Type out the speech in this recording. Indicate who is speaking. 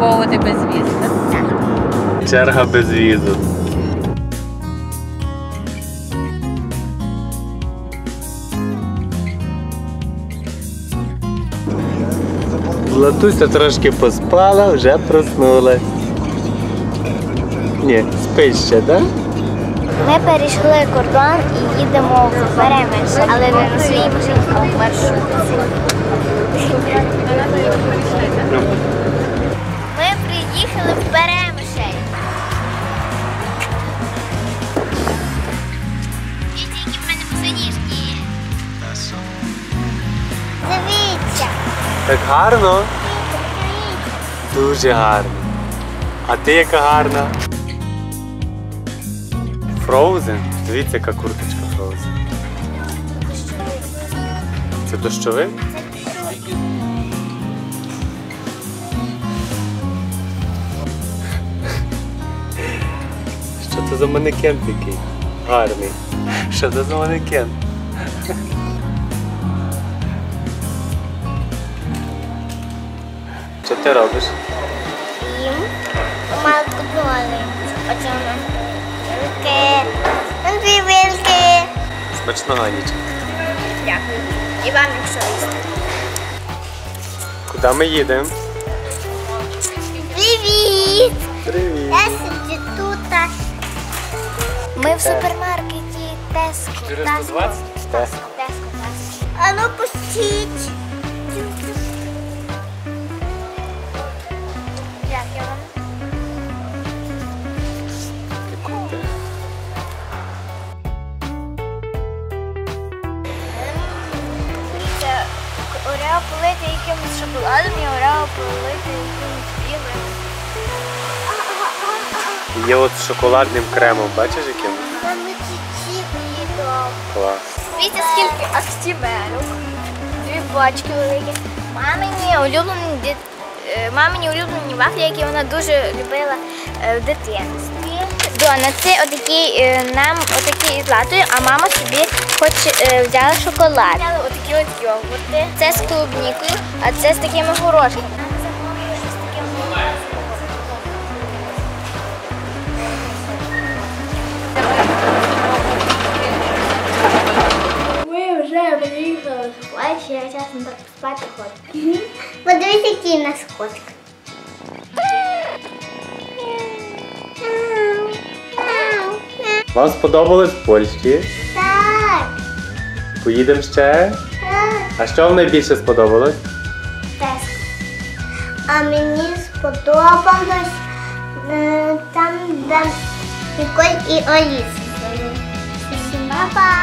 Speaker 1: випробовувати безвіз.
Speaker 2: Так.
Speaker 3: Черга без візу. Златуся трошки поспала, вже проснулась. Ні, спить ще, так?
Speaker 2: Ми перейшли кордон і їдемо в Перемиш, але не на своїй машині, а в маршрутці. Ми приїхали в Перемишель. Дивіться, які в мене босоніжки. Дивіться.
Speaker 3: Так гарно? Дуже гарно. А ти яка гарна? Frozen? Дивіться, яка курточка Frozen. Це дощовик? Що це за манекен такий? Гарний. Що це за манекен? Що ти робиш?
Speaker 2: Їм малку доли. Оце вона. Вилки. Дві вилки.
Speaker 3: Смачного, Анічка.
Speaker 2: Дякую. І вам, якщо їсти.
Speaker 3: Куди ми їдемо?
Speaker 2: Привіт!
Speaker 3: Привіт!
Speaker 2: Я сиджу тут. Ми в супермаркеті Теско.
Speaker 3: 420?
Speaker 2: Теско. А ну пустіть. Дякую вам. Це орео полити якимось шоколадом і орео полити якимось білим.
Speaker 3: Є от з шоколадним кремом, бачиш яким?
Speaker 2: Там чуть-чуть їдом.
Speaker 3: Клас.
Speaker 2: Дивіться, скільки актимелюк. Дві пачки великі. Мамині улюблені вафлі, які вона дуже любила в дитинстві. Донати отакі, нам отакі з латою, а мама собі хоч взяла шоколад. Взяли отакі от йогурти. Це з клубнікою, а це з такими горошками. Ми вже приїхали в плачі, я чесно так спати хочу. Подивись, який у нас котик.
Speaker 3: Вам сподобалось в Польщі?
Speaker 2: Так,
Speaker 3: Поїдемо ще?
Speaker 2: так.
Speaker 3: А що вам найбільше сподобалось?
Speaker 2: Теско. А мені сподобалось там, де Ніколь і Аліса. Всім па-па!